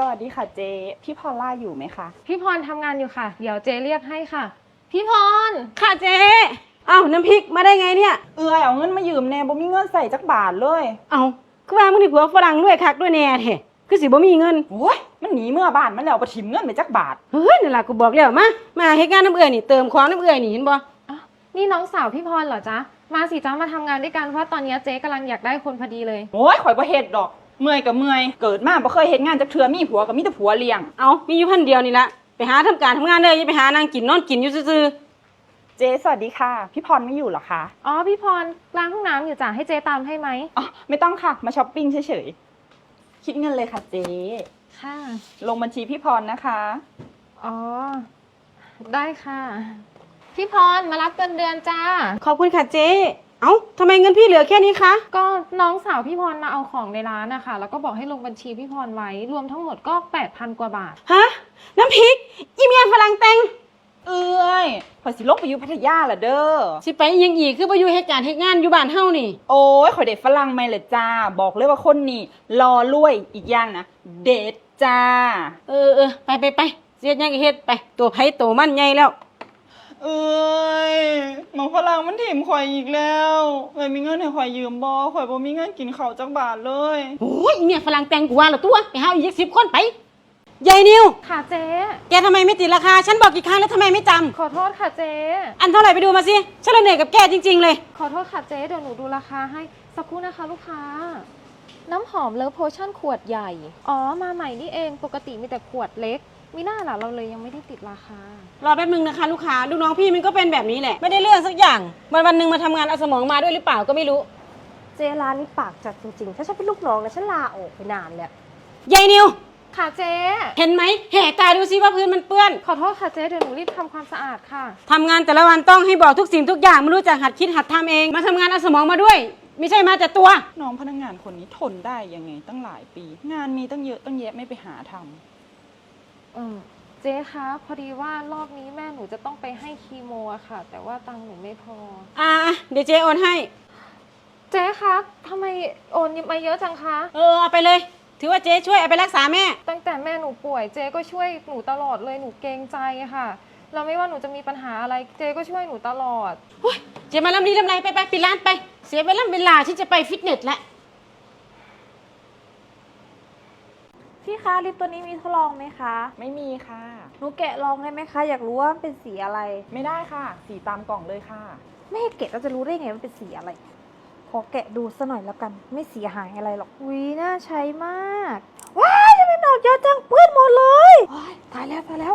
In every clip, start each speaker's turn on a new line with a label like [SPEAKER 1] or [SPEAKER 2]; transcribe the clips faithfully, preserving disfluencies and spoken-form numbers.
[SPEAKER 1] วัสดีค่ะเจ๊พี่พอลล่าอยู่ไหมคะ
[SPEAKER 2] พี่พรทำงานอยู่ค่ะเดี๋ยวเจเรียกให้ค่ะพี่พร
[SPEAKER 3] ค่ะเจ๊เอ้าน้ำพริกมาได้ไงเนี่ย
[SPEAKER 1] เอื้อยเอาเงินมายืมแน่บ่มีเงินใส่จักบาทเลย
[SPEAKER 3] เอ้าคือว่ามึงนี่ผัวฝรั่งรวยคักด้วยแน่แท้คือสิบ่มีเงิน
[SPEAKER 1] โอ้ยมันหนีเมื่อบ้านมันแล้วบ่ถิมเงินไปจักบาท
[SPEAKER 3] เฮ้ยนั่นล่ะกูบอกแล้วมามาเฮ็ดงานน้ำเอื้อยนี่เติมของน้ำเอื้อยนี่เห็นบ่
[SPEAKER 2] อ๋อนี่น้องสาวพี่พรเหรอจ๊ะมาสิจ้ามาทำงานด้วยกันเพราะตอนนี้เจ๊กำลังอยากได้คนพอดีเลย
[SPEAKER 1] โอ้ยข่อยบ่เฮ็ดดอกเมื่อยก็เมื่อยเกิดมาบ่เคยเฮ็ดงานจักเทื่อมีผัวก็มีแต่ผัวเลี้ยง
[SPEAKER 3] เอ้ามีอยู่พันเดียวนี่ละไปหาทำการทำงานเลยอย่าไปหานางกินนอนกินอยู่ซื่อ
[SPEAKER 1] เจ๊สวัสดีค่ะพี่พรไม่อยู่หรอคะ
[SPEAKER 2] อ๋อพี่พรล้างห้องน้ำอยู่จ้ะให้เจ๊ตามให้ไหม
[SPEAKER 1] อ๋อไม่ต้องค่ะมาช้อปปิ้งเฉยๆคิดเงินเลยค่ะเจ๊
[SPEAKER 2] ค่ะ
[SPEAKER 1] ลงบัญชีพี่พรนะคะ
[SPEAKER 2] อ๋อได้ค่ะพี่พรมารับเงินเดือนจ้า
[SPEAKER 3] ขอบคุณค่ะเจ๊เอ้าทำไมเงินพี่เหลือแค่นี้คะ
[SPEAKER 2] ก็น้องสาวพี่พรมาเอาของในร้านนะคะแล้วก็บอกให้ลงบัญชีพี่พรไว้รวมทั้งหมดก็ แปดพัน กว่าบาท
[SPEAKER 3] ฮะน้ำพริกอีเมียฝรั่งแต่ง
[SPEAKER 1] เอ้ยข่อยสิลงไปอยู่พัทยาล่ะเด้อ
[SPEAKER 3] สิไปยังอีกคือบ่อยู่เฮ็ดการเฮ็ดงานอยู่บ้านเฮานี่
[SPEAKER 1] โอ้ยข่อยเด็ดฝรั่งไม่เลยจ้าบอกเลยว่าคนนี้รอรวยอีกอย่างนะเด็ดจ้า
[SPEAKER 3] เออเออไปไปไปเฮ็ดยังก็เฮ็ดไปตัวไผตัวมันใหญ่แล้ว
[SPEAKER 1] เอ้ยหมอฝรั่งมันถิ่มข่อยอีกแล้วเอ้ยมีเงินให้ข่อยยืมบ่ข่อยบ่มีเงินกินข้าวจักบาทเลย
[SPEAKER 3] โอ้ยอีเมียฝรั่งแต่งกูว่าแล้วตัวไปหาอีกสิบคนไปยายนิว
[SPEAKER 2] ค่ะเจ๊
[SPEAKER 3] แกทำไมไม่ติดราคาฉันบอกกี่ครั้งแล้วทำไมไม่จำ
[SPEAKER 2] ขอโทษค่ะเจ๊
[SPEAKER 3] อันเท่าไหร่ไปดูมาสิฉันเหนื่อยกับแกจริงๆเลย
[SPEAKER 2] ขอโทษค่ะเจ๊เดี๋ยวหนูดูราคาให้สักครู่นะคะลูกค้าน้ำหอมเลิฟโพชั่นขวดใหญ่อ๋อมาใหม่นี่เองปกติมีแต่ขวดเล็กมีหน้าล่ะเราเลยยังไม่ได้ติดราคาร
[SPEAKER 3] อแป๊บนึงนะคะลูกค้าลูกน้องพี่มันก็เป็นแบบนี้แหละไม่ได้เรื่องสักอย่างวันวันหนึ่งมาทำงานเอาสมองมาด้วยหรือเปล่าก็ไม่รู้
[SPEAKER 4] เจร้านนี้ปากจัดจริงๆถ้าฉันเป็นลูกน้องนะฉันลาออกไปนานแล้ว
[SPEAKER 3] ยายนิว
[SPEAKER 2] ค่ะเจ๊
[SPEAKER 3] เห็นไหมแห่ตาดูซิว่าพื้นมันเปื้อน
[SPEAKER 2] ขอโทษค่ะเจ๊เดี๋ยวหนูรีบทำความสะอาดค่ะ
[SPEAKER 3] ทำงานแต่ละวันต้องให้บอกทุกสิ่งทุกอย่างไม่รู้จักหัดคิดหัดทำเองมาทำงานเอาสมองมาด้วยไม่ใช่มาแต่ตัว
[SPEAKER 1] น้องพนักงานคนนี้ทนได้ยังไงตั้งหลายปีงานมีตั้งเยอะตั้งแยะไม่ไปหาทำ
[SPEAKER 2] เออเจ๊คะพอดีว่ารอบนี้แม่หนูจะต้องไปให้คีโมอะค่ะแต่ว่าตังค์หนูไม่พอ
[SPEAKER 3] อ่าเดี๋ยวเจ๊โอนให้
[SPEAKER 2] เจ๊คะทำไมโอนมาเยอะจังคะ
[SPEAKER 3] เออเอาไปเลยถือว่าเจ๊ช่วยเอาไปรักษาแม่
[SPEAKER 2] ตั้งแต่แม่หนูป่วยเจ๊ก็ช่วยหนูตลอดเลยหนูเกรงใจค่ะเราไม่ว่าหนูจะมีปัญหาอะไรเจ๊ก็ช่วยหนูตลอด
[SPEAKER 3] เจ๊มาลำดีลำไรไปไปปิดร้านไปเสียเวลาเวลาที่จะไปฟิตเนสแล้ว
[SPEAKER 4] พี่คะลิปตัวนี้มีทดลองไหมคะ
[SPEAKER 1] ไม่มีค่ะ
[SPEAKER 4] หนูแกะลองได้ไหมคะอยากรู้ว่ามันเป็นสีอะไร
[SPEAKER 1] ไม่ได้ค่ะสีตามกล่องเลยค่ะ
[SPEAKER 4] ไม่ให้แกะเราจะรู้ได้ไงมันเป็นสีอะไรขอแกะดูสักหน่อยแล้วกันไม่เสียหายอะไรหรอกอุ้ยน่าใช้มากว้ายยังไม่หนอกเยอะจังเปื้อนหมดเลยตายแล้วตายแล้ว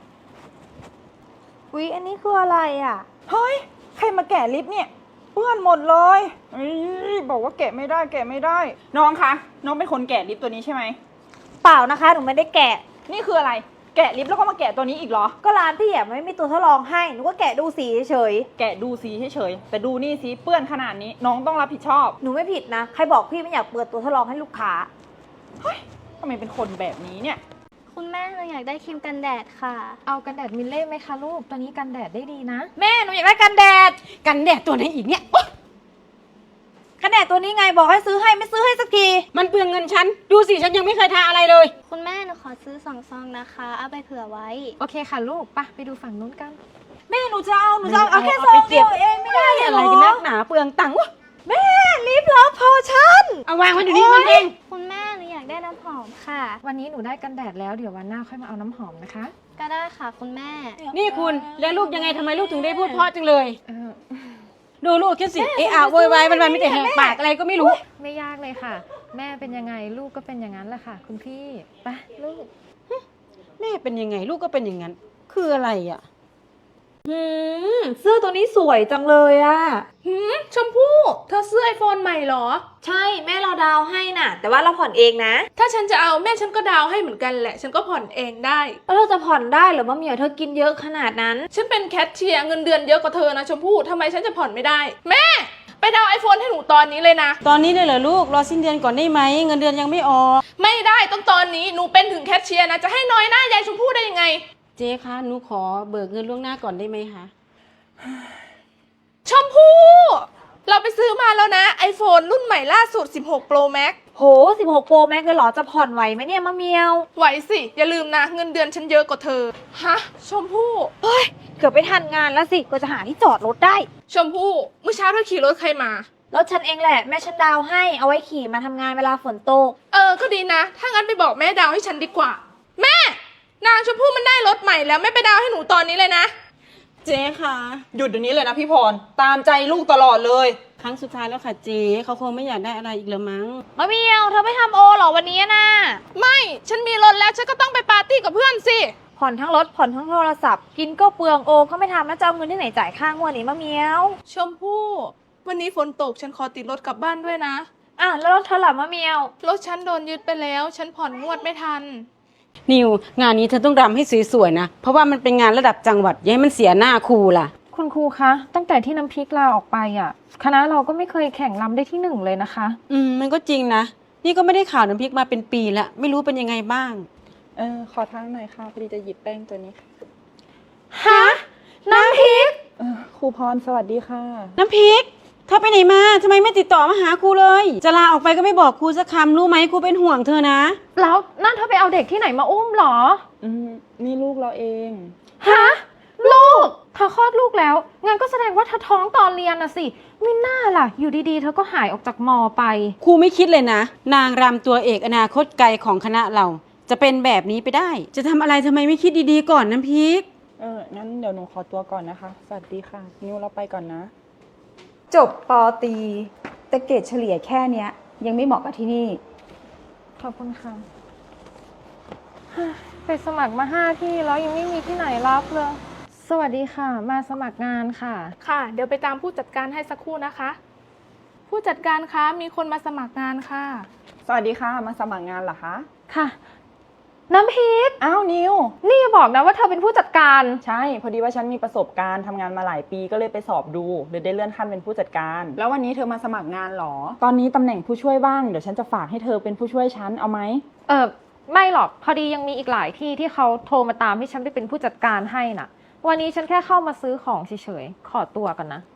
[SPEAKER 4] อุ้ยอันนี้คืออะไรอ่ะ
[SPEAKER 1] เฮ้ยใครมาแกะลิปเนี่ยเปื้อนหมดเลยบอกว่าแกะไม่ได้แกะไม่ได้น้องคะน้องเป็นคนแกะลิปตัวนี้ใช่ไหม
[SPEAKER 4] เปล่านะคะหนูไม่ได้แกะ
[SPEAKER 1] นี่คืออะไรแกะลิปแล้วก็มาแกะตัวนี้อีกเหรอ
[SPEAKER 4] ก็ร้านพี่อ่ะไม่มีตัวทดลองให้หนูก็แกะดูสีเฉย
[SPEAKER 1] แกะดูสีเฉยแต่ดูนี่สิเปื้อนขนาดนี้น้องต้องรับผิดชอบ
[SPEAKER 4] หนูไม่ผิดนะใครบอกพี่ไม่อยากเปิดตัวทดลองให้ลูกค้า
[SPEAKER 1] เฮ้ยทำไมเป็นคนแบบนี้เนี่ย
[SPEAKER 5] คุณแม่หนูอยากได้ครีมกันแดดค่ะ
[SPEAKER 2] เอากันแดดมิลเล่ไหมคะลูกตัวนี้กันแดดได้ดีนะ
[SPEAKER 4] แม่หนูอยากได้กันแดด
[SPEAKER 3] กันแดดตัวไหนอีกเนี่ย
[SPEAKER 4] กันแดดตัวนี้ไงบอกให้ซื้อให้ไม่ซื้อให้สักที
[SPEAKER 3] มันเปลืองเงินฉันดูสิฉันยังไม่เคยทาอะไรเลย
[SPEAKER 5] คุณแม่หนูขอซื้อสองซองนะคะเอาไปเผื่อไว้
[SPEAKER 2] โอเคค่ะลูกปะไปดูฝั่งนู้นกัน
[SPEAKER 4] แม่หนูจะเอาหนูจะเอาแค่ซองเดียวเองไม่ได้
[SPEAKER 3] อะไรกันนักหนาเปลืองตังค์
[SPEAKER 4] แม่ลิปลับโพชั่น
[SPEAKER 3] เอาวางไว้เดี๋ยวนี้มันเอง
[SPEAKER 5] คุณแม่หนูอยากได้น้ำหอมค่ะ
[SPEAKER 2] วันนี้หนูได้กันแดดแล้วเดี๋ยววันหน้าค่อยมาเอาน้ำหอมนะคะ
[SPEAKER 5] ก็ได้ค่ะคุณแม่
[SPEAKER 3] นี่คุณแล้วลูกยังไงทำไมลูกถึงได้พูดเพราะจังเลยดูลูกคิดสิเอะอะโวยวายวันๆไม่แต่แหกปากอะไรก็ไม่รู้
[SPEAKER 2] ไม่ยากเลยค่ะแม่เป็นยังไงลูกก็เป็นอย่างนั้นแหละค่ะคุณพี่ไปลูก
[SPEAKER 3] แม่เป็นยังไงลูกก็เป็นอย่างนั้นคืออะไรอ่ะ
[SPEAKER 4] หืมเสื้อตัวนี้สวยจังเลยอะ
[SPEAKER 6] หืมชมพู่เธอซื้อไอโฟนใหม่เหรอ
[SPEAKER 4] ใช่แม่เราดาวให้น่ะแต่ว่าเราผ่อนเองนะ
[SPEAKER 6] ถ้าฉันจะเอาแม่ฉันก็ดาวให้เหมือนกันแหละฉันก็ผ่อนเองได้
[SPEAKER 4] แล้วเราจะผ่อนได้หรือว่าเมียเธอกินเยอะขนาดนั้น
[SPEAKER 6] ฉันเป็นแคชเชียร์เงินเดือนเยอะกว่าเธอนะชมพู่ทำไมฉันจะผ่อนไม่ได้แม่ไปดาวไอโฟนให้หนูตอนนี้เลยนะ
[SPEAKER 3] ตอนนี้เลยเหรอลูกรอสิ้นเดือนก่อนได้ไหมเงินเดือนยังไม่ออก
[SPEAKER 6] ไม่ได้ต้องตอนนี้หนูเป็นถึงแคชเชียร์นะจะให้น้อยหน้ายายชมพู่ได้ยังไง
[SPEAKER 3] เจ๊คะหนูขอเบิกเงินล่วงหน้าก่อนได้ไหมคะ
[SPEAKER 6] ชมพู่เราไปซื้อมาแล้วนะ ไอโฟน รุ่นใหม่ล่าสุดสิบหก Pro Max
[SPEAKER 4] โหสิบหกโปรแม็กเลยเหรอจะผ่อนไหวไหมเนี่ยมะเมียว
[SPEAKER 6] ไหวสิ อย่าลืมนะ เงินเดือนฉันเยอะกว่าเธอ ฮะ ชมพู่
[SPEAKER 4] เกือบไปทันงานแล้วสิก็จะหาที่จอดรถได้
[SPEAKER 6] ชมพู่ เมื่อเช้าเธอขี่รถใครมา
[SPEAKER 4] รถฉันเองแหละแม่ฉันดาวให้เอาไว้ขี่มาทำงานเวลาฝนตก
[SPEAKER 6] เออ ก็ดีนะ ถ้างั้นไปบอกแม่ดาวให้ฉันดีกว่า แม่ นางชมพู่มันได้รถใหม่แล้วแม่ไปดาวให้หนูตอนนี้เลยนะ
[SPEAKER 3] เจ๊ค่ะ
[SPEAKER 1] หยุดเดี๋ยวนี้เลยนะพี่พร ตามใจลูกตลอดเลย
[SPEAKER 3] ครั้งสุดท้ายแล้วค่ะเจ๊เขาคงไม่อยากได้อะไรอีกแล้วมั้ง
[SPEAKER 4] มะเมียวเธอไม่ทำโอเหรอวันนี้นะ
[SPEAKER 6] ไม่ ฉันมีรถแล้วฉันก็ต้องไปปาร์ตี้กับเพื่อนสิ
[SPEAKER 4] ผ่อนทั้งรถผ่อนทั้งโทรศัพท์กินก็เปลืองโอก็ไม่ทำแล้วจะเอาเงินที่ไหนจ่ายค่างวดนี้มะเมียว
[SPEAKER 6] ชมพู่ วันนี้ฝนตกฉันขอติดรถกลับบ้านด้วยนะ
[SPEAKER 4] อ่ะแล้วรถเธอล่ะมะเมียว
[SPEAKER 6] รถฉันโดนยึดไปแล้ว ฉันผ่อนงวดไม่ทัน
[SPEAKER 3] นิวงานนี้เธอต้องรำให้สวยๆนะ เพราะว่ามันเป็นงานระดับจังหวัดอย่าให้มันเสียหน้าครูล่ะ
[SPEAKER 2] คุณครูคะ ตั้งแต่ที่น้ำพริกลาออกไปอ่ะ คณะเราก็ไม่เคยแข่งรำได้ที่หนึ่งเลยนะคะ
[SPEAKER 3] อืมมันก็จริงนะ นี่ก็ไม่ได้ข่าวน้ำพริกมาเป็นปีละไม่รู้เป็นยังไงบ้าง
[SPEAKER 1] เออ ขอทางหน่อยค่ะพอดีจะหยิบแป้งตัวนี้
[SPEAKER 2] ฮะ น้ำพริก
[SPEAKER 1] เออครูพรสวัสดีค่ะ
[SPEAKER 3] น้ำพริกเธอไปไหนมาทำไมไม่ติดต่อมาหาครูเลย จะลาออกไปก็ไม่บอกครูสักคำรู้ไหมครูเป็นห่วงเธอนะ
[SPEAKER 2] แล้วนั่นเธอไปเอาเด็กที่ไหนมาอุ้มเหรอ
[SPEAKER 1] อืมนี่ลูกเราเอง
[SPEAKER 2] ฮะ ลูก เธอคลอดลูกแล้ว งั้นก็แสดงว่าเธอท้องตอนเรียนนะสิไม่น่าล่ะ อยู่ดีๆ เธอก็หายออกจากมอไป
[SPEAKER 3] ครูไม่คิดเลยนะ นางรำตัวเอกอนาคตไกลของคณะเรา จะเป็นแบบนี้ไปได้ จะทำอะไรทำไมไม่คิดดีๆก่อนน้ำพริก
[SPEAKER 1] เออ งั้นเดี๋ยวหนูขอตัวก่อนนะคะ สวัสดีค่ะ นิวเราไปก่อนนะ
[SPEAKER 7] จบปอตรีแต่เกรดเฉลี่ยแค่เนี้ย ยังไม่เหมาะกับที่นี่
[SPEAKER 2] ขอบคุณค่ะฮ่าไปสมัครมาห้าที่แล้วยังไม่มีที่ไหนรับเลย สวัสดีค่ะ มาสมัครงานค่ะ
[SPEAKER 6] ค่ะ เดี๋ยวไปตามผู้จัดการให้สักครู่นะคะ ผู้จัดการคะ มีคนมาสมัครงานค่ะ
[SPEAKER 1] สวัสดีค่ะ มาสมัครงานเหรอคะ
[SPEAKER 2] ค่ะ น้ำพริก
[SPEAKER 1] อ้าวนิว
[SPEAKER 2] นี่อย่าบอกนะว่าเธอเป็นผู้จัดการ
[SPEAKER 1] ใช่ พอดีว่าฉันมีประสบการณ์ทำงานมาหลายปีก็เลยไปสอบดูเลยได้เลื่อนขั้นเป็นผู้จัดการ แล้ววันนี้เธอมาสมัครงานเหรอ ตอนนี้ตำแหน่งผู้ช่วยบ้าง เดี๋ยวฉันจะฝากให้เธอเป็นผู้ช่วยฉัน เอาไหม
[SPEAKER 2] เออไม่หรอก พอดียังมีอีกหลายที่ที่เขาโทรมาตามให้ฉันไปเป็นผู้จัดการให้น่ะ วันนี้ฉันแค่เข้ามาซื้อของเฉยๆ ขอตัวกันนะ